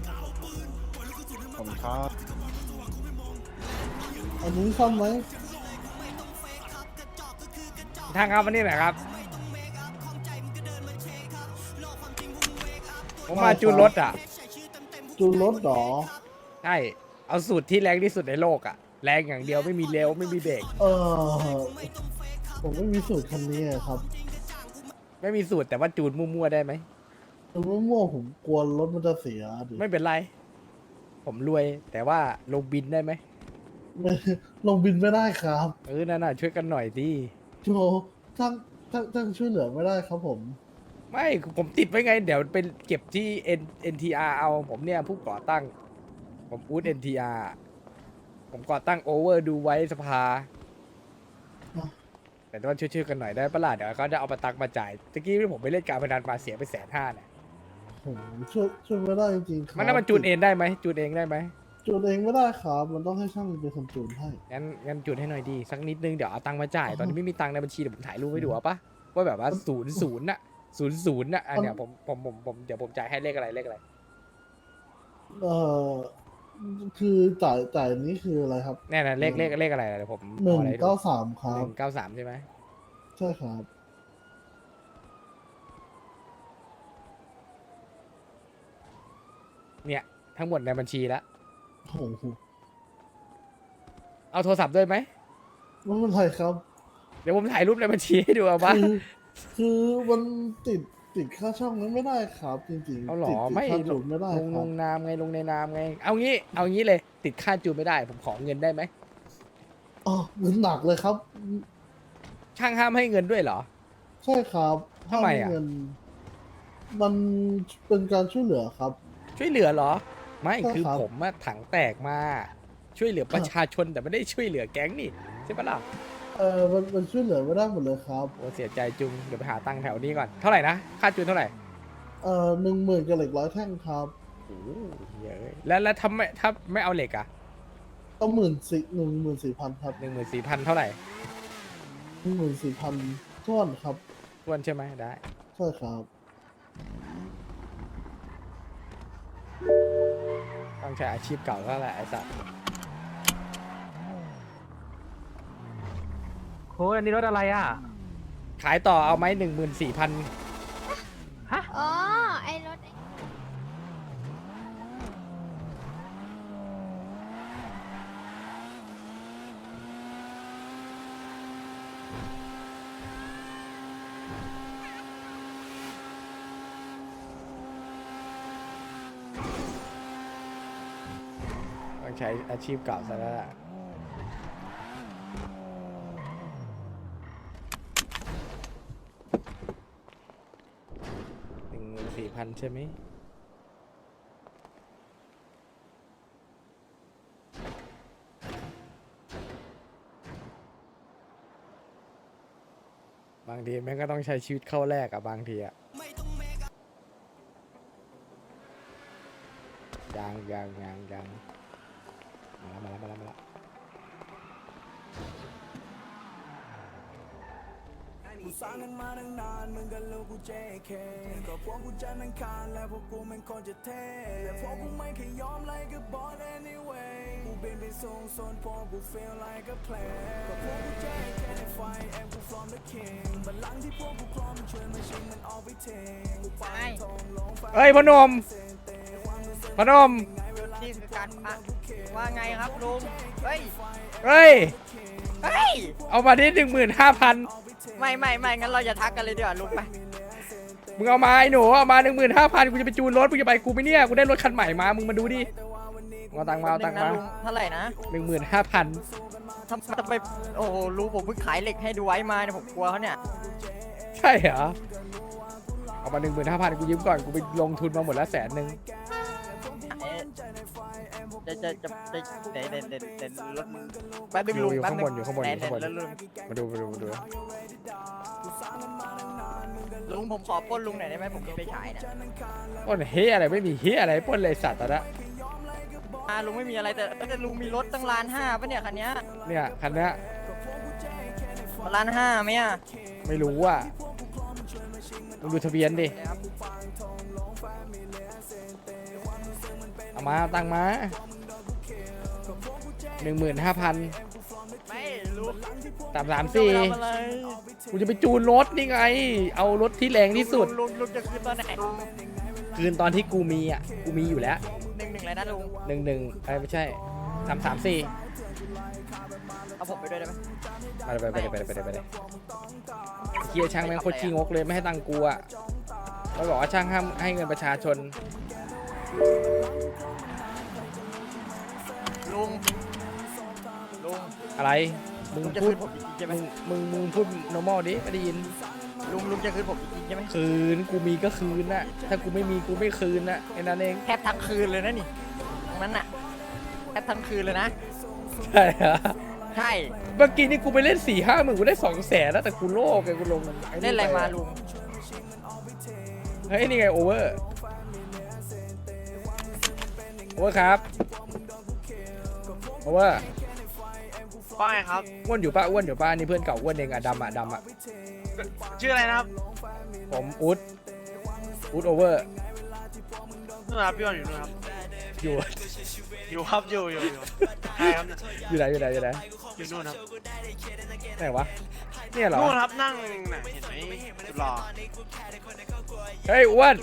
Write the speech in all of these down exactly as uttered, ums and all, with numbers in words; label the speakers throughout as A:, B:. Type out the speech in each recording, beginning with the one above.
A: ผมครับ
B: อันนี้ซ่อมไหม
C: ทางครับวันนี้แหละครับผมมาจูนรถอ่ะ
B: จูนรถหรอ
C: ใช่เอาสูตรที่แรงที่สุดในโลกอ่ะแรงอย่างเดียวไม่มีเร็วไม่มีเบรก
B: เออผมไม่มีสูตรคันนี้อะครับ
C: ไม่มีสูตรแต่ว่าจูนมั่วๆได้ไหม
B: แต่ว่ามั่วผมกลัวรถมันจะเสียดิ
C: ไม่เป็นไร ผมรวยแต่ว่าลงบินได้ไหม
B: ไม่ลงบินไม่ได้ครับ
C: เออนั่นน่ะช่วยกันหน่อยดิ
B: โจทั้งทั้งทั้งช่วยเหลือไม่ได้ครับผม
C: ไม่ผมติดไว้ไง เดี๋ยวเป็นเก็บที่ N เอ็น ที อาร์ เอาผมเนี่ยผู้ก่อตั้ง ผมอูด เอ็น ที อาร์ ผมก่อตั้งโอเวอร์ดูไว้สภา
B: อ่ะ
C: แต่ว่าช่วยๆกันหน่อยได้ปะล่ะเดี๋ยวเขาจะเอามาตักมาจ่ายตะกี้ที่ผมไปเล่นการพนันมาเสียไปแสนห้าเนี่ย
B: ผมช่วยช่วยไม่ได้จริงๆครับ
C: มันน่ามันจูนเองได้ไหมจูนเองได้ไหม
B: จูนเองไม่ได้ครับ มันต้องให้ช่างเป็นคนจูนให้
C: งั้นงั้นจูนให้หน่อยดีสักนิดนึงเดี๋ยวเอาตังค์มาจ่ายตอนนี้ไม่มีตังค์ในบัญชีเดี๋ยวผมถ่ายรูปให้ดูเอาปะว่าแบบว่าศูนย์ศูนย์น่ะศูนย์ศูนย์น่ะอันเนี้ยผมผมผมผมเดี๋ยวผมจ่ายให้เลขอะไรเลขอะไร
B: เอ่อคือจ่ายจ่ายนี้คืออะไรครับ
C: แน่นะเลขเลขเลขอะไรเดี๋ยวผม
B: หนึ่ง
C: ออะไร
B: เก้าสามครั
C: ห
B: บ
C: นึ่งเก้าสามใช่ไหม
B: ใช่ครับ
C: เนี่ยทั้งหมดในบัญชีแล้ว
B: โอ้โห
C: เอาโทรศัพท์ด้วยไหม
B: ไม่เป็นไรครับ
C: เดี๋ยวผมถ่ายรูปในบัญชีให้ดูเอาปะ
B: คือคือมันติดติดค่าช่องนั้นไม่ได้ครับ จริงๆ
C: เอาหรอ
B: ติดติด
C: ไม่
B: ค่า
C: ล
B: จู
C: ง
B: นไม่ได้
C: ลง
B: ค
C: ล
B: รับ
C: งนามไงลงในนามไง เอางี้เอางี้เลย ติดค่าจูนไม่ได้ ผมขอเงินได้ไหม
B: อ๋อเงินหนักเลยครับ
C: ช่างห้ามให้เงินด้วยเหรอ
B: ใช่ครับ
C: ทำไมอะ
B: ห้าเงิน มันเป็นการช่วยเหลือครับ
C: ช่วยเหลือเหรอ ไม่
B: ใช่
C: คือ
B: ครับ
C: ผมอะถังแตกมาช่วยเหลือประชาชนแต่ไม่ได้ช่วยเหลือแก๊งนี่ใช่ปะล่ะ
B: เออมันมันช่วยเหลือไม่ได้หมดเลยครับ
C: โอ้เสียใจจุงเดี๋ยวไปหาตังค์แถวนี้ก่อนเท่าไหร่นะค่าจูนเท่าไหร่
B: เออหนึ่งหมื่นกับเหล็กร้อยแท่งครับ
C: โอ้โหเยอะแล้วแล้วถ้าไม่ถ้าไม่เอาเหล็กอะ
B: ก็หมื่นสี่หนึ่งหมื่นสี่พันครับ
C: หนึ่งหมื่นสี่พันเท่าไหร่
B: หนึ่งหมื่นสี่พันท้วนครับ
C: ทวนใช่ไหมได้
B: ใช่ครับ
C: ต้องใช้อาชีพเก่าแล้วแหละไอ้สัส
D: โค้ดอันนี้รถอะไรอ่ะ
C: ขายต่อเอาไหมหนึ่งหมื่นสี่พัน
D: ฮะ
E: อ๋อ ไอ้รถไอ้
C: ต้องใช้อาชีพเก่าซะแล้วล่ะหนึ่งหมื่นสี่พันใช่ไหมบางทีแม่งก็ต้องใช้ชีวิตเข้าแรกอะบางทีอะยังยังยังยังมาแล้วมาแล้วมาแล้วมาแล้ว
F: กูสร้างกันมาตั้งนานมึงกับลูกกู เจ เค ก็พวกกูจะนังคารและพวกกูมันคนจะเท่และพวกกูไม่เคยยอมไล่กับบอล anyway กูบินไปสูงส่วนพวกกู feel like a player ก็พวกกู เจ เค ในไฟ and กู from the king บัลลังก์ที่พวกกูครองมันช่วยมันชิงมันออกไปเทงกูไปทองลงไป
C: เฮ้ยพนมพนม
G: นี่คือการปะว่าไงครับลุง เฮ้ย
C: เฮ้ย
G: เฮ้ย
C: เอามาที่หนึ่งหมื่นห้าพัน
G: ไม่ไม่ไม่งั้นเราจะทักกันเลยดีกว่าลุงไป
C: มึงเอามาไอ้หนูเอามาหนึ่งหมื่นห้าพันกูจะไปจูนรถมึงจะไปกูไหมเนี่ยกูได้รถคันใหม่มามึงมาดูดิมึงเอาตังค์มาเอาตังค์มา
G: ลุงเท่าไหร่นะ
C: หนึ่งหมื่นห้าพัน
G: ทำจะไป โอ้โหลุงผมเพิ่งขายเหล็กให้ดูไว้มาเนี่ยผมกลัวเขาเนี่ย
C: ใช่เหรอเอามาหนึ่งหมื่นห้าพันกูยืมก่อนกูไปลงทุนมาหมดแล้วแสนหนึ่ง
G: เอ๊ะจะจะจะจะเดี๋ยวเดี๋ยวเดี๋ยวเดี๋ยวรถแป๊บนึง
C: อยู่
G: ลุง
C: อยู่
G: แป๊บ
C: ข้าง
G: นึ
C: บ
G: ง
C: นอยู่ข้างบนอยู่ข้างบน
G: เดี๋ยวเดี๋ยวลุง
C: มาดูมาดูมาดู
G: ลุงผมขอปล้นลุงหน่อยได้ไหมผมมีไฟฉายเนี่ย
C: ปล้นเฮียอะไรไม่มีเฮียอะไรปล้นเลยสัตว์ตอนนั้น
G: อ่าลุงไม่มีอะไรแต่แต่ลุงมีรถตั้งล้านห้าปะเนี่ยคันเนี้ย
C: เนี่ยคันเนี้ย
G: ล้านห้าไหมอ่ะ
C: ไม่รู้อ่ะมึงดูทะเบียนดิ
G: นะครับ
C: เอามาเอาตังค์มาหนึ่งหมื่นห้าพัน
G: ไม่รู้
C: สามสามสี่
G: ทำอะไร
C: กูจะไปจูนรถนี่ไง เอารถที่แรงที่สุด
G: ลุงลุงจะคืนตอนไหน
C: คืนตอนที่กูมีอ่ะกูมีอยู่แล้ว
G: หนึ่งหนึ่งเลยนะลุง
C: หนึ่งหนึ่งไอ้ไม่ใช่สามสามสี่
G: เอาผมไปด้วยได้ไหม
C: ไปไปไปไปไปไปไปเกียร์ช่างแม่งโคตรขี้งกเลยไม่ให้ตังค์กูอ่ะเขาบอกว่าช่างห้ามให้เงินประชาชน
G: ลุงลุง
C: อะไรมึง
G: ลุงจะ
C: พู
G: คื
C: ด
G: นผมจริงๆใช่ไหม
C: มึงมึงมึงพูด normal ดิไม่ได้ยิน
G: ลุงลุงจะคืนผมจริงๆใช่ไหม
C: คืนกูมีก็คืนน่ะถ้ากูไม่มีกูไม่คืนน่ะแค่นั้นเอง
G: แทบทั้งคืนเลยนะนี่ตรงนั้นน่ะแทบทั้งคืนเลยนะ
C: ใช่ฮะ
G: ใช่
C: เมื่อกี้นี่กูไปเล่นสี่ห้าหมื่นกูได้สองแสนแล้วแต่กูโลกไงกูลง
G: เล่นอะไรมาลุง
C: เฮ้ยนี่ไงโอเวอร์โอเวอร์ครับโอเวอร์
A: ว่าไงครับ
C: อ้วนอยู่ป่ะอ้วนอยู่ป่ะนี่เพื่อนเก่าอ้วนเองอะดำอะดำอะ
A: ชื่ออะไรนะครับ
C: ผมอุ๊ดอุ๊ดโอเวอร์
A: นู่นครับพี่บอลอยู่นู่นครับ
C: อยู่
A: อยู่ครับอยู่อยู่อยู่ใช่ครับ
C: อยู่ไหนอยู่ไหนอยู่ไหน
A: อยู่นู่นครับ
C: ไหนวะเนี่ยเหรอ
A: นู่นครับนั่งน่ะเห็นไหมสุดหล่อ
C: เฮ้ยอ้วน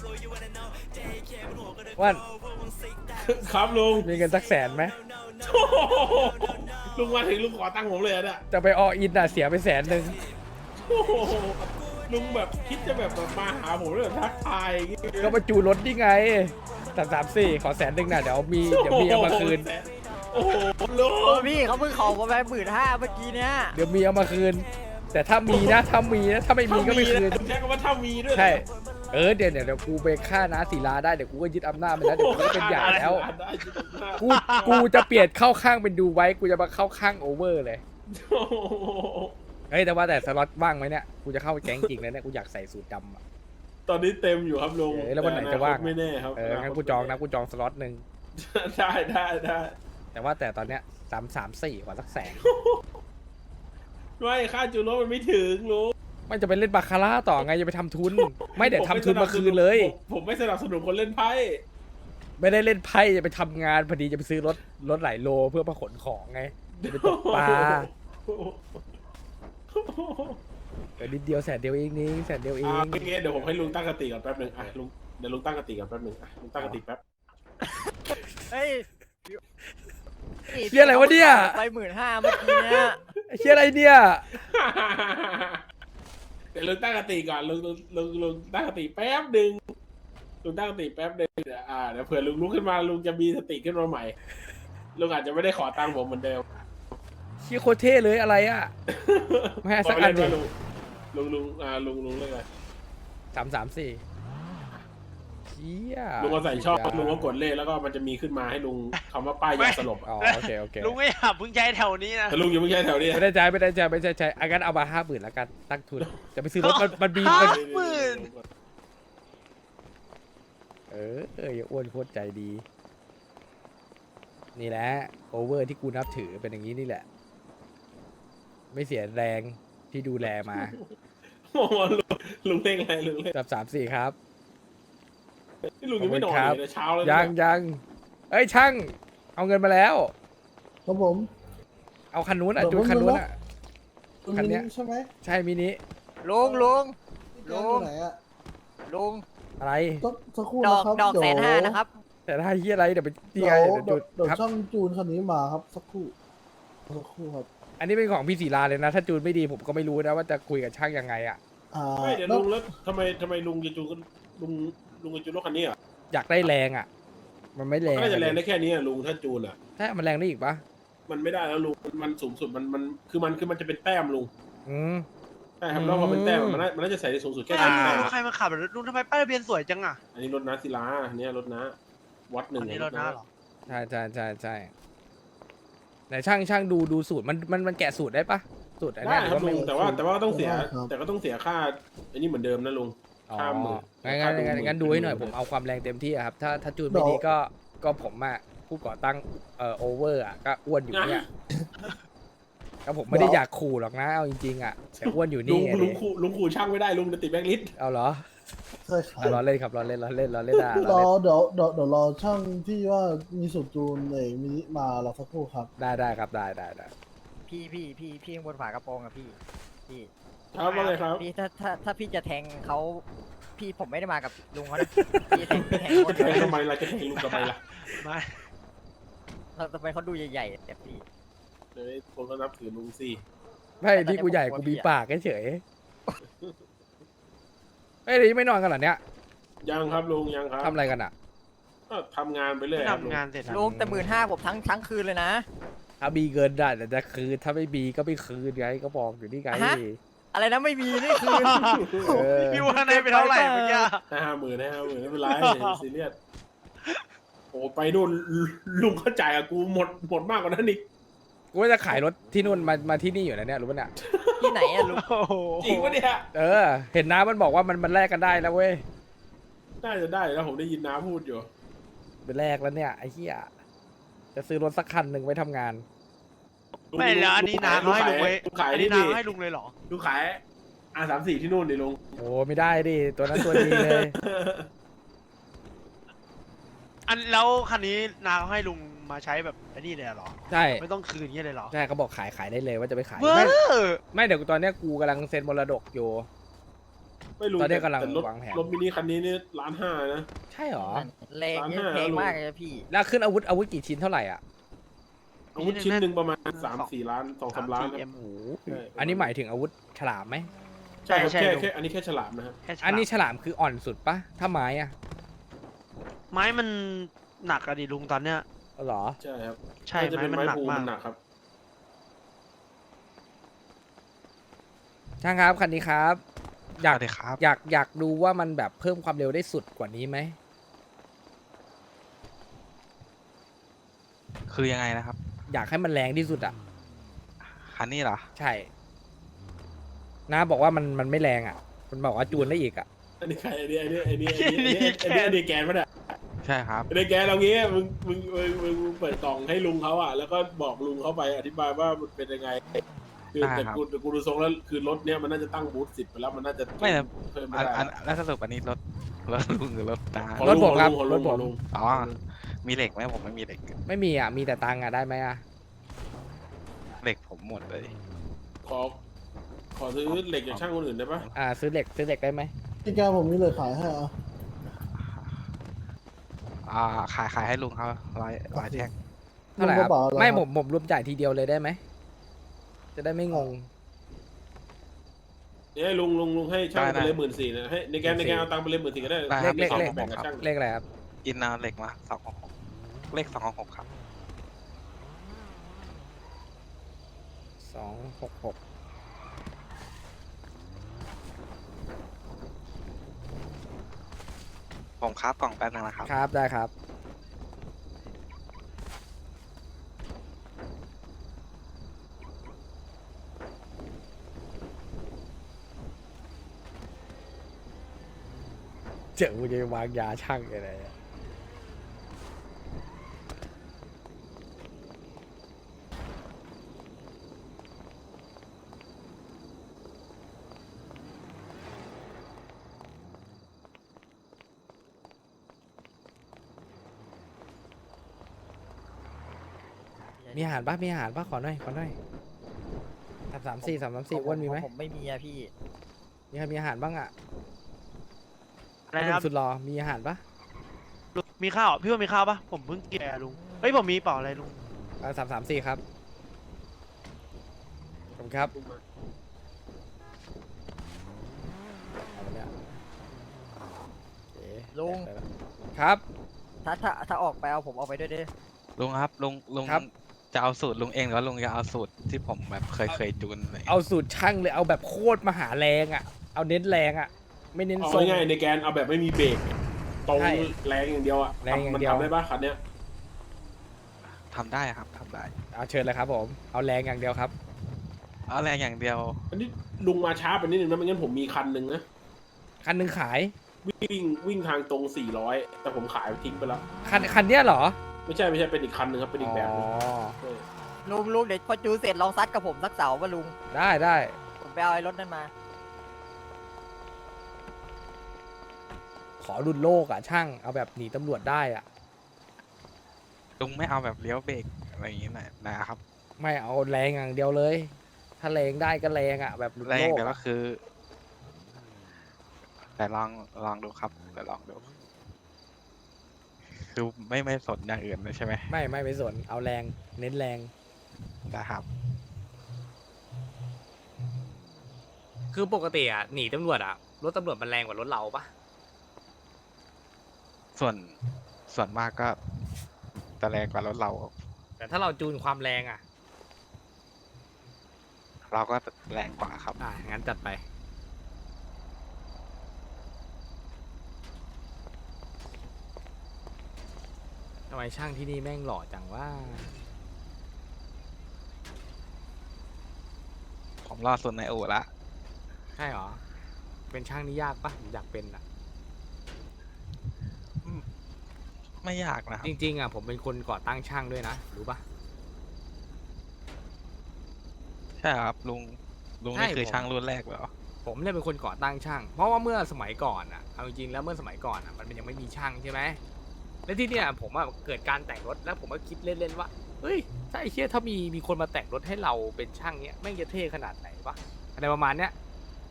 C: อ้วน
E: ครับลุง
C: มีเงินสักแสนไหม
E: โอ้โหลุงมาถึงลุงขอตังค์ผมเลยอะเนี่ย
C: จะไปออินอ่ะเสียไปแสนหนึ่ง
E: โอ้โหลุงแบบคิดจะแบบแบบมาหาผมแล้วแบบทักทายอย่างงี้
C: ก็มาจูนรถนี่ไงสามสามสี่ขอแสนหนึ่งน่ะเดี๋ยวมีเดี๋ยวมีเอามาคืน
E: โอ้โหลุง
G: โอ้พี่เขาเพิ่งขอผมไปหมื่นห้าเมื่อกี้เนี้ย
C: เดี๋ยวมีเอามาคืน แต่ถ้ามีนะถ้ามีนะถ้าไม่มีก็ไม่คืน
E: ถ้าใช้คำว่าถ้ามีด้วย
C: ใช่ เออเดี๋ยวเดี๋ยวเดี๋ยวกูไปฆ่าน้าศิลาได้เดี๋ยวกูก็ยึดอำนาจไปแล้วเดี๋ยวกูก็เป็นใหญ่แล้ว
E: ได้ยินมาก
C: กูกูจะเปลี่ยนเข้าข้างเป็นดูไว้กูจะมาเข้าข้างโอเวอร์เลย
E: โอ้โห
C: เฮ้ยแต่ว่าแต่สล็อตว่างไหมเนี่ยกูจะเข้าแก๊งจริงเลยเนี่ยกูอยากใส่สูทดำอะ
E: ตอนนี้เต็มอยู่ครับลุง
C: เออแล้ววันไหนจะว่าง
E: ไม่แน่ครับ
C: เอองั้นกูจองนะกูจองสล็อตหนึ่ง
E: ได้ได้ได้
C: แต่ว่าแต่ตอนเนี้ยสามสามสี่กว่าสักแสน
E: ไม่ค่าจูโร่มันไม่ถึงลุง
C: ไม่จะไปเล่นบาคาร่าต่อไงจะไปทำทุน ไม่เดี๋ยวทำทุนมาคืนเลย
E: ผมผมไม่สนับสนุนคนเล่นไพ่
C: ไม่ได้เล่นไพ่จะไปทำงานพอดีจะไปซื้อรถรถหลายโลเพื่อมาขนของไงจะไปตกปลาเออนิดเดียวแสนเดียวเองนี่แสนเดียวเอ
E: อ่าง โอเคเดี๋ยวผมให้ลุงตั้งกติก่อนแป๊บหนึ่งอ่ะลุงเดี๋ยวลุงตั้งกติก่อนแป๊บหนึ่งอ่ะลุงตั้งกติแป๊บ
G: เฮ้ย
C: เฮียอะไรวะเนี่ย
G: ไปหมื่นห้าเมื่อกี้เนี้ย
C: ไอ้เฮียอะไรเนี่ย
E: เดี๋ยวลุงตั้งกติก่อนลุงลุงลุงลุงตั้งกติแป๊บหนึ่งลุงตั้งกติแป๊บหนึ่งเดี๋ยวอ่าเดี๋ยวเผื่อลุงลุกขึ้นมาลุงจะมีสติขึ้นมาใหม่ลุงอาจจะไม่ได้ขอตังค์ผมเหมือนเดิม
C: เฮียโคตรเท่เลยอะไรอ่ะไม่ให้สักอันหนึ่ง
E: ลุงลุงลุงอ่าลุงลุงเรื่องอะไร
C: สามสามสี่เฮีย
E: ลุงก็ใส่ชอบลุงก็กดเลขแล้วก็มันจะมีขึ้นมาให้ลุงคำว่าป้ายยาสลบ
C: อ๋อโอเคโอเค
A: ลุงไม่อยากเพิ่งใช้แถวนี้นะ
E: แต่ลุงยังไม่ใช่แถวนี้
C: ไม่ได้ใจไม่ได้ใจไม่ได้ใจอางั้นเอามาห้าหมื่นแล้วกันตั้งทุนจะไปซื้อรถมันมันมีมัน
A: หมื่น
C: เออเอออย่าอ้วนโคตรใจดี นี่แหละโอเวอร์ที่กูนับถือเป็นอย่างนี้นี่แหละ ไม่เสียแรงที่ดูแลมา
E: โอ้โหลุงลุงเล่นอะไรลุงเล่น
C: จับสามสี่ครับ
E: นี่ลุงยังไม่นอนเลยนะเช้าแล้ว
C: ยังยังเอ้ยช่าง เอาเงินมาแล้ว
B: ครับผม
C: เอาคันนู้นอ่ะจูนคันนู้นอ่ะ คันเนี้ย
B: ใช่ไหม
C: ใช่มินิ
G: ลุงลุง
B: ลุ
G: ลุ
B: ง
G: ง
B: ไหนอะ
G: ลุง
C: อะไร
B: สักสักครู่
G: ดอ
B: นะ
G: ก
B: ครับ
G: ดอก
B: เยว
G: แสนห้านะครับ
C: แต่ถ้าเฮียอะไรเดี๋ยวไปที่
B: เดี๋
C: ไง
B: ยว
C: เดี๋ยว
B: เดี๋
C: จู
B: ยวน เดี๋ยว
C: ครับ
B: ช่างจูนคันนี้มาครับสักครู่สักครู่ครับ
C: อันนี้เป็นของพี่ศิลาเลยนะ ถ้าจูนไม่ดีผมก็ไม่รู้นะว่าจะคุยกับช่างยังไงอ่ะ
B: อ่า
E: ไม่เดี๋ยว
B: แล้ว
E: ลุงแล้วทำไมทำไมลุงจะจูนลุงลุงจะจูนรถคันนี้อ่ะ
C: อยากได้แรงอ่ะ มันไม่แรง
E: น่าจะแรงได้แค่นี้อ่ะลุงถ้าจูนอ่ะ
C: ถ้ามันแรงได้อีกปะ
E: มันไม่ได้แล้วลุงมันสูงสุดมันมันคือมันคือมันจะเป็นแต้มลุง
C: อืม
E: ใช่ครับแล้วพอเป็นแต้มมันน่ามันน่าจะใส่ได้สูงสุดแค่
A: อ่า
E: สิบแต้ม
A: ใครมาขับลุงทำไมป้ายทะเบียนสวยจังอ่ะ
E: อันนี้รถน้าศิลาอันนี้รถน้าวัดหนึ่
A: อั
E: ง
A: นนี้รถน้าเหรอ
C: ใช่ใช่ใช่ใช่ไหนช่างช่างดูดูสูตรมันมันมันแกะสูตรได้ปะสูตรอัน
E: ได้
C: เนี้ยห
E: ค
C: รือ
E: รับ
C: ว่าไม่
E: ลุงแต่ว่าแต่ว่าก็ต้องเสียแต่ก็ต้องเสียค่าอันนี้เหมือนเดิมนะลุง
C: อ๋อ
E: ข้ามหมื่น
C: งั้นงั้น
E: ข้ามหมื่น
C: งั้นงั้นดูให้หน่อยผมเอาความแรงเต็มที่อะครับ ถ้าถ้าจูนไม่ดีก็ก็ผมอะผู้ก่อตั้งเอ่อโอเวอร์อะก็อ้วนอยู่เนี่ยก็ผมไม่ได้อยากขู่หรอกนะเอาจริงๆอะแต่อ้วนอยู่
E: ลุ
C: นี่
E: ง
C: ไง
E: ลุงขู่ลุงขู่ช่างไม่ได้ลุงจะติดแบงค์ลิสต์
C: เอาเหรอ
B: ใช่ครับ
C: อ่ะรอเล่นครับรอเล่นรอเล่นรอเล่นได้
B: ร
C: รอ
B: อ
C: เล่น
B: เดี๋ยวเดี๋ยวเดี๋ยวรอช่างที่ว่ามีสูตรจูนเองมินิมารอสักครู่ครับ
C: ได้ได้ครับได้ได้ได้
G: พี่พี่พี่พี่ข้างบนฝากระโปรงอะพี่พี่
E: ครับว่าไงครับ
G: พี่ถ้าถ้าถ้าพี่จะแทงเขาพี่ผมไม่ได้มากับลุงเขานะพี่แทงพี่แทงค
E: จะ
G: น
E: แทงทำไมล่ะจะแทงลุงทำไมล่ะ
A: ไม่
G: เราทำไมเขาดูใหญ่ๆแต่พี่
E: เดี๋ยวคนก็นับถือลุงสิ
C: ไม่ที่กูใหญ่กูมีปากเฉยเฮ้ยนี่ไม่นอนกันเหรอเนี่ย
E: ยังครับลุงยังครับ
C: ทำอะไรกันอ่ะ
E: ก็ทำงานไปเรื่อยครับลุง
A: ทำงานเสร็จแล้ว
G: ลุงแต่หมื่นห้าผมทั้งทั้งคืนเลยนะ
C: ถ้ามีเงินได้แต่จะคืนถ้าไม่มีก็ไม่คืนไงก็บอกอยู่นี่ไง
G: ฮะ อะไรนะไม่มีนี่คืน
C: เออ
A: พี่ว่าในไปเท่าไหร่เมื่อกี้
E: ให้ห้าหมื่นให้ห้าหมื่นไม่เป็นไรซีเรียสโอ้ไปนู่นลุงเข้าจ่ายกับกูหมดหมดมากกว่านั้นอีก
C: กูว่าจะขายรถที่นู่นมามาที่นี่อยู่นะเนี่ยรู้ป่ะเนี่ย
G: ที่ไหนอะลุง
A: โอ้โห
E: จริงปะเนี่ย
C: เออ เห็นน้ามันบอกว่ามันมันแลกกันได้แล้วเว้ย
E: น่าจะได้แล้วผมได้ยินน้าพูดอยู่
C: เป็นแลกแล้วเนี่ยไอ้เหี้ยจะซื้อรถสักคันหนึ่งไว้ทำงาน
A: ไม่แล้วอันนี้นาเขาให้ลุงไว้
E: ลุงขาย
A: อัน
E: นี่
A: นี้นา
E: ดิ
A: เขาให้ลุงเลยเหรอ
E: ลุงขายอาสามสี่ที่นู่นดิลุง
C: โอ้ไม่ได้ดิตัวนั้นตัวดีเลย
A: อันแล้วคันนี้นาเขาให้ลุงมาใช้แบบอันนี้เลยเหรอ
C: ใช่
A: ไม่ต้องคืนเงี้ยเลยเหรอ
C: ใช่เขาบอกขายขายได้เลยว่าจะไปขาย
A: เว้
C: ไม่
A: อ
C: ไม่เดี๋ยวตอนเนี้ยกูกำลังเซ็นมรดกอยู่
E: ไม่รู้
C: ตอนนี้กำลัง
E: แต่รถ
C: วางแผน
E: รถมินิคันนี้นี่ล้านห้านะ
C: ใช่หรอ
G: แรงเยอะ
E: ล้านห้า
G: เพลงมากเลยนะพี่
C: แล้วขึ้นอาวุธอาวุธกี่ชิ้นเท่าไหร่อ่ะ
E: อาวุธชิ้นหนึ่งประมาณสามสี่ล้านสองสามล้านครับ
A: เอ็ม
C: โอ้โห
E: ใช่
C: อันนี้หมายถึงอาวุธฉลามไหม
E: ใช่ครับ
A: ใช่
E: แค่
A: ลุง
E: แค่อันนี้แค่ฉลามนะครับ
A: แค่ฉลาม
C: อันนี้ฉลามคืออ่อนสุดปะถ้าไม้อ่ะ
A: ไม้มันหนักอะดิลุงตอนเนี้ย
C: อ๋อเหรอ
E: ใช่ครับ
A: ใช่
E: น่าจะ
A: ไม้
E: เป็น
A: มัน
E: ไม้
A: หนัก
E: ภู
A: มา
E: มั
A: ก
E: นหนักครับ
C: ช่างครับคันนี้ครับ อยาก
H: สวัสดีครับ
C: อยากอยากดูว่ามันแบบเพิ่มความเร็วได้สุดกว่านี้ไหม
H: คือยังไงนะครับ
C: อยากให้มันแรงที่สุดอ่ะ
H: คันนี้เหรอ
C: ใช่น้าบอกว่ามันมันไม่แรงอ่ะ มันบอกว่าจูนได้อีกอ่ะ
E: อันนี้ใครอันนี้อันนี้อันนี้อันนี้อันนี้อันนี้อันนี้แกนปะเนี่ย
H: ใช่ครับ
E: อันนี้แกนเรางี้มึงมึงมึงมึงมึงเปิดกล่องให้ลุงเขาอ่ะแล้วก็บอกลุงเขาไปอธิบายว่ามันเป็นยังไงคือ
H: ได้
E: แต่
H: ครับ
E: กูแต่กูดูทรงแล้วคือรถเนี้ยมันน่าจะตั้งบูทสิบไปแล้วมันน่าจะ
H: ไม่แต่
E: เพิ่ม
H: อั
E: ไม่
H: น
E: ได้
H: อันแล้วสรุปอันนี้รถรถลุงหรือรถตา
E: ของ
C: รถผมครับ
E: ของ
C: ร
E: ลุ
C: ถ
E: ง
C: ผ
E: ขอ
C: ม
E: งลุง
H: อ๋อ มีเหล็กไหมผมไม่มีเหล็ก
C: ไม่มีอ่ะ มีแต่ตังค์อ่ะได้ไหมอ่ะ
H: เหล็กผมหมดเลย
E: ขอขอซื้อเหล็กจากช่างคนอื่นได้ปะ
C: อ่า ซื้อเหล็กซื้อเหล็กได้ไหม
B: พี่แกผมมีเลยขายให้อ่ะ
H: อ่า ขายขายให้ลุงเขาร้อยร้อยแท่ง
C: เท่าไหร่ครับ
B: ลุงกระเป๋าอะไร
C: ไม่
B: ครับ
C: ผมผมรวมจ่ายทีเดียวเลยได้ไหม จะได้ไม่งง
E: เดี๋ยวให้ลุงลุงลุงให้ช่าง
H: ได้
E: ไปเลย
H: ได้
E: หมื่นสี่นะให้ในแกนในแกนเอาตังค์ไปเลยหมื่นสี่ก็ได้
H: ได้
C: เลขเลขเลข
E: แบ่งกับช่าง
C: เลขอะไรครับ
H: อินเอาเหล็กมาสองหกหกเลขสองหกหกครับ
C: สองหกหก
H: ผมครับกล่องแป๊บนึงนะครับ
C: ครับ ได้ครับ เจอกูจะวางยาช่างอะไรอะมีอาหารปะมีอาหารปะขอหน่อย ขอหน่อยสามสามสี่สามสามสี่อ้วนมีไหม
G: ผมไม่มีอะพี่
C: มีใครมีอาหารบ้างอ่ะ
A: อะไรนะครับ
C: ลุงสุดรอมีอาหารปะ
A: ลุงมีข้าวพี่ว่ามีข้าวปะผมเพิ่งกินอะลุงเฮ้ยผมมีเปล่าอะไรลุง
C: สามสามสี่ครับขอบคุณครับเอาไปเนี่ยโอเค
G: ลุง
C: ครับ
G: ถ้าถ้าถ้าออกไปเอาผมออกไปด้วยเด้อ
H: ลุงครับ ลุง ลุง
C: ครับ
H: จะเอาสูตรลุงเองหรือว่าลุงจะเอาสูตรที่ผมแบบเคยเคยจูนเลย
C: เอาสูตรช่างเลยเอาแบบโคตรมหาแรงอ่ะ เอาเน้นแรงอ่ะ ไม่เน้น
E: เอา
C: ทรง
E: ง่ายๆในแกนเอาแบบไม่มีเบรกตรง
C: ใช่
E: แรงอย่างเดียวอ่ะ
C: แรงอย่างเดียว
E: มันทำได้ปะคันเนี้ย
H: ทำได้ครับทำได้
C: เอาเชิญเลยครับผม เอาแรงอย่างเดียวครับ
H: เอาแรงอย่างเดียว
E: อันนี้ลุงมาช้าไปนิดนึงนะไม่งั้นผมมีคันหนึ่งนะ
C: คันหนึ่งขาย
E: วิ่งวิ่งทางตรงสี่ร้อยแต่ผมขายทิ้งไปแล้ว
C: คันคันเนี้ยเหรอ
E: ไม่ใช่ไม่ใช่เป็นอีกคันหนึ่งครับเป็นอีกแบบหนึง
C: อ๋อ
E: เออ
G: ลุงลุงเดี๋ยวพอจูเสร็จลองซัดกับผมสักเสาป่ะลุง
C: ได้ได้
G: ผมไปเอาไอ้รถนั่นมา
C: ขอรุนโลกอ่ะช่างเอาแบบหนีตำรวจได้อ่ะ
H: ลุงไม่เอาแบบเลี้ยวเบรกอะไรอย่างงี้หน่อยนะครับ
C: ไม่เอาแรงอย่างเดียวเลย ถ้าแรงได้ก็แรงอ่ะแบบรุน
H: แร
C: โล
H: ง
C: ก
H: เดี๋ยวก็
C: อะ
H: คือ แต่ลองลองดูครับแต่ลองดู คือไม่ไม่สนอย่างอื่นเลยใช่ไหม
C: ไม่ไม่ไปสนเอาแรงเน้นแรง
H: นะครับ
I: คือปกติอ่ะหนีตำรวจอ่ะรถตำรวจมันแรงกว่ารถเราปะ
H: ส่วนส่วนมากก็จะแรงกว่ารถเรา
I: แต่ถ้าเราจูนความแรงอ่ะ
H: เราก็แรงกว่าครับ
I: อ่ะงั้นจัดไปทำไมช่างที่นี่แม่งหล่อจังว่า
H: ผมรอดสุดในอู่ละ
I: ใช่เหรอเป็นช่างนี่ยากปะผมอยากเป็นอ่ะ
H: ไม่ยากนะครับ
I: จริงๆอ่ะผมเป็นคนก่อตั้งช่างด้วยนะรู้ปะ
H: ใช่ครับลุงลุง
I: ใช่
H: นี่คือ
I: ผม
H: ช่างรุ่นแรกเหรอ
I: ผมเนี่ยเป็นคนก่อตั้งช่าง เพราะว่าเมื่อสมัยก่อนอ่ะเอาจริงๆแล้วเมื่อสมัยก่อนอ่ะมันยังไม่มีช่างใช่ไหมแล้วที่เนี่ยผมอ่ะเกิดการแต่งรถแล้วผมก็คิดเล่นๆว่าเฮ้ยถ้าไอ้เชี่ยถ้ามีมีคนมาแต่งรถให้เราเป็นช่างเนี้ยแม่งจะเท่ขนาดไหนวะอะไรประมาณเนี้ย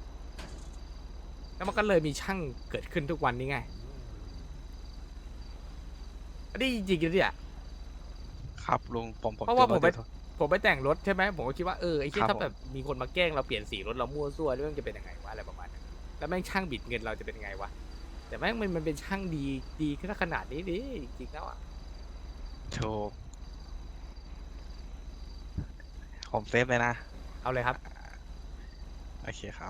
I: แล้วมันก็เลยมีช่างเกิดขึ้นทุกวันนี้ไงอันนี้จริงๆเนี่ย
H: ครับลุงผมผม
I: เพราะว่า
H: จ
I: ผมไป
H: ถ
I: ผมไปแต่งรถใช่ไหมผมก็คิดว่าเออไอ้เชี่ย
H: ครับ
I: ถ้าแบบมีคนมาแกล้งเราเปลี่ยนสีรถเรามั่วซั่วเรื่องจะเป็นยังไงวะอะไรประมาณนั้นแล้วแม่งช่างบิดเงินเราจะเป็นยังไงวะแต่แม่งมันมันเป็นช่างดีดีขึ้นขนาดนี้ดิจริงๆแล้วอ่ะ
H: โชว์ผมเซฟเลยนะ
I: เอาเลยครับ
H: โอเคครับ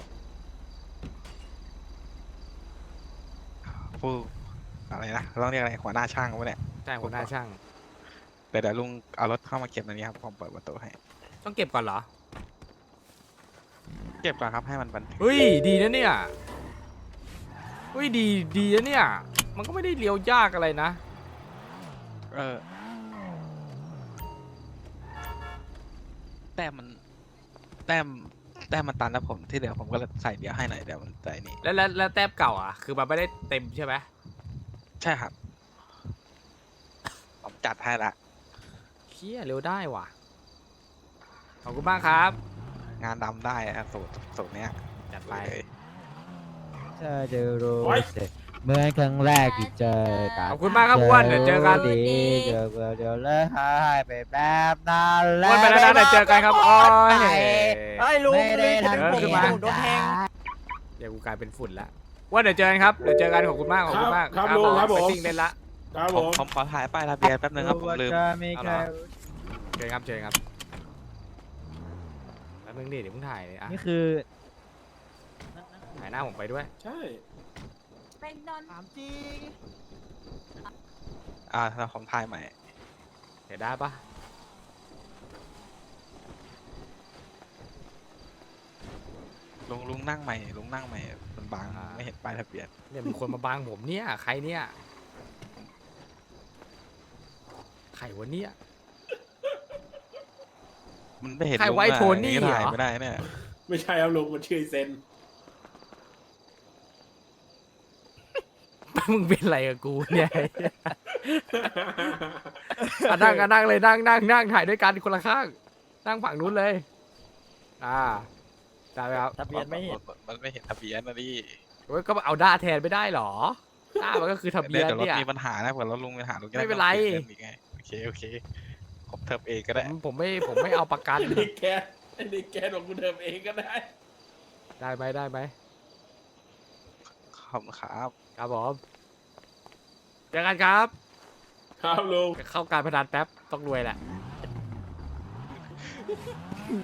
H: ผู้อะไรนะต้องเรียกอะไรหัวหน้าช่างวะเนี่ย
I: ใช่หัวหน้าช่าง
H: เดี๋ยวเดี๋ยวลุงเอารถเข้ามาเก็บในนี้ครับผมเปิดประตูให้
I: ต้องเก็บก่อนเหรอ
H: เก็บก่อนครับให้มันบันทึก
I: เฮ้ยดีนะเนี่ยเฮ้ยดีดีนะเนี่ยมันก็ไม่ได้เลี้ยวยากอะไรนะ
H: เออแต้มมันแต้มแต้มมันตันแล้วผมที่เหลือผมก็เลยใส่เดี๋ยวให้หน่อยเดี๋ยวมันใจนี่
I: แล้วแล้วแล้วแต้มเก่าอ่ะคือมันไม่ได้เต็มใช่ไหม
H: ใช่ครับ ผมจัดให้ละ
I: เชี่ยเร็วได้ว่ะขอบคุณมากครับ
H: งานดำได้อะสูตรสูตรเนี้ย
I: จัดไป
H: เลย
J: เธอจะรู้
E: โอ๊ย
J: สึกเหมื่อนครั้งแรกที่เจอกัน
I: ขอบคุณมากครับอ้วนเดี๋ยวเจอกัน
J: ดีเจอเดี๋ยวเลิกหายไปแบบนั้นแล้
I: อ้
J: ว
I: วนไปแล้วนะเดี๋ยวเจอกันครับโอ้ย
J: ไอ้ลุงไม่ได้ทัน
I: เดี๋ยว
J: ที
I: ขึ้นมา
J: โดนแทง
I: เดี๋ยวกูกลายเป็นฝุ่นละว่าเดี๋ยวเจอกันครับ เดี๋ยวเจอกันขอบคุณมาก ขอบคุณมาก
E: ครับครับลุงครับผม
I: ไปซิ่งเล่นละ
E: ครับ
H: ผ
E: ผม ม
H: ผมขอถ่ายป้ายทะเบียนแป๊บนึงครับผมลืม
J: จะมีใคร
I: เจอครับเจอครับแล้วมึงดิเดี๋ยวมึงถ่ายเลยอ่ะ
J: นี่คือ
I: ถ่ายหน้าผมไปด้วย
E: ใช่
D: เป็นนอน
J: ถามจริง
H: อ่าถ้าผมถ่ายใหม่
I: เดี๋ยวได้ปะ
H: ลุงลุงนั่งใหม่ลุงนั่งใหม่มันบางไม่เห็นป้ายทะเบียน
I: เนี่ยมีคนมาบังผมเนี่ย ใครเนี่ย ใครวะเนี่ย
H: มันไม่เห็น
I: ใคร
H: ลุง
I: ไว้
H: อะ
I: โทนี่
H: อย่างถ่าย
I: เหรอ
H: ไม่ได้เนี่ย
E: ไม่ใช่ครับลุงมันชื่อเซน
I: มึงเป็นอะไรกับกูเนี่ยอ่ะนั่งอ่ะนั่งเลยนั่งนั่งนั่งถ่ายด้วยกันคนละข้าง นั่งฝั่งนู้นเลย อ่าได้ไหมครับ
J: ทะเบียนไม่เห็น
H: มันไม่เห็นทะเบียนนะดิ
I: โอ้ยก็เอาด้าแทนไม่ได้หรอด้ามันก็คือทะเบียน
H: เดี๋ยวรถ
I: เนี่ย
H: มีปัญหานะเผื่อรถลุงมีปัญหาลุงจะด้
I: ไม่เป็นไร
H: ต้องปลี่ยนอีกไงโอเคโอเคผมเทิบเองก็ได้
I: ผมผมไม่ผมไม่เอาประกัน
E: ไอ้นี่แกไอ้นี่แกของกูเดิมเองก็ได้
I: ได้ไหมได้ไหม
H: ขอบคุณครับ
I: ครับผมเจอกันครับ
E: ครับลุง
I: เข้าการพนันแป๊บต้องรวยแหละ